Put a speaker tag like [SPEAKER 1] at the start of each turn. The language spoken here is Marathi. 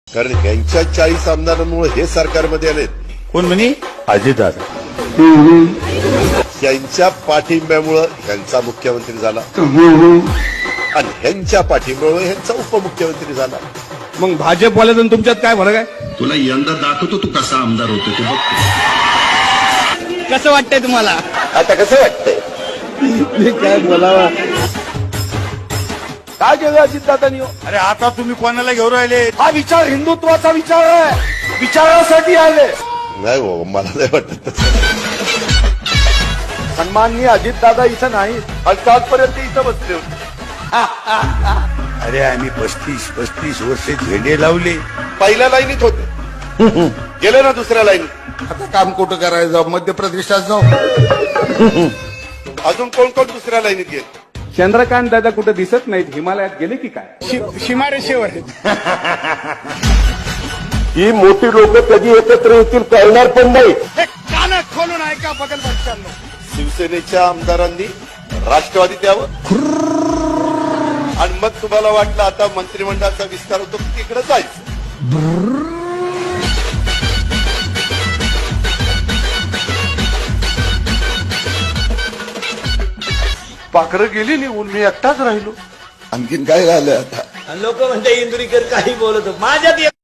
[SPEAKER 1] कारण ह्यांच्या 40 आमदारांमुळे हे सरकारमध्ये आलेत.
[SPEAKER 2] कोण म्हणे? अजितदादा.
[SPEAKER 1] त्यांच्या पाठिंब्यामुळं ह्यांचा मुख्यमंत्री झाला आणि ह्यांच्या पाठिंब्यामुळे ह्यांचा उपमुख्यमंत्री झाला.
[SPEAKER 2] मग भाजपवाल्याचं तुमच्यात काय फरक आहे?
[SPEAKER 3] तुला यंदा दाखवतो तू कसा आमदार होतो ते बघ.
[SPEAKER 2] कसं वाटतंय तुम्हाला?
[SPEAKER 1] आता कसं वाटतंय?
[SPEAKER 2] काय बोलावा, काय केलं अजितदादांनी?
[SPEAKER 4] अरे आता तुम्ही कोणाला घेऊन राहिले?
[SPEAKER 2] हा विचार हिंदुत्वाचा विचार आहे, विचारासाठी आले.
[SPEAKER 1] नाही हो, मला नाही वाटत तसं.
[SPEAKER 2] सन्माननीय अजितदादा इथं नाही, आजपर्यंत इथं बसले होते.
[SPEAKER 4] अरे आम्ही 35 वर्षे झेंडे लावले.
[SPEAKER 1] पहिल्या लाईनीत होते, गेले ना दुसऱ्या लाईनीत.
[SPEAKER 4] आता काम कुठं करायचं? जाऊ मध्य प्रदेशात जाऊ.
[SPEAKER 1] अजून कोण कोण दुसऱ्या लाईनीत गेले?
[SPEAKER 2] चंद्रकांत दादा कुठे दिसत नाहीत, हिमालयात गेले की काय?
[SPEAKER 4] सीमारेषेवर
[SPEAKER 1] ही मोठी लोक कधी एकत्र येतील कळणार पण नाही.
[SPEAKER 4] कान खोलून ऐका बघल बच्चांनो.
[SPEAKER 1] शिवसेनेच्या आमदारांनी राष्ट्रवादीत यावं आणि मग तुम्हाला वाटलं आता मंत्रिमंडळाचा विस्तार होतो की तिकडे जायचं.
[SPEAKER 4] पाखरं गेली निघून, मी एकटाच राहिलो.
[SPEAKER 3] आणखीन काय झालं आता?
[SPEAKER 5] लोक म्हणते इंदुरीकर काही बोलत माझ्यात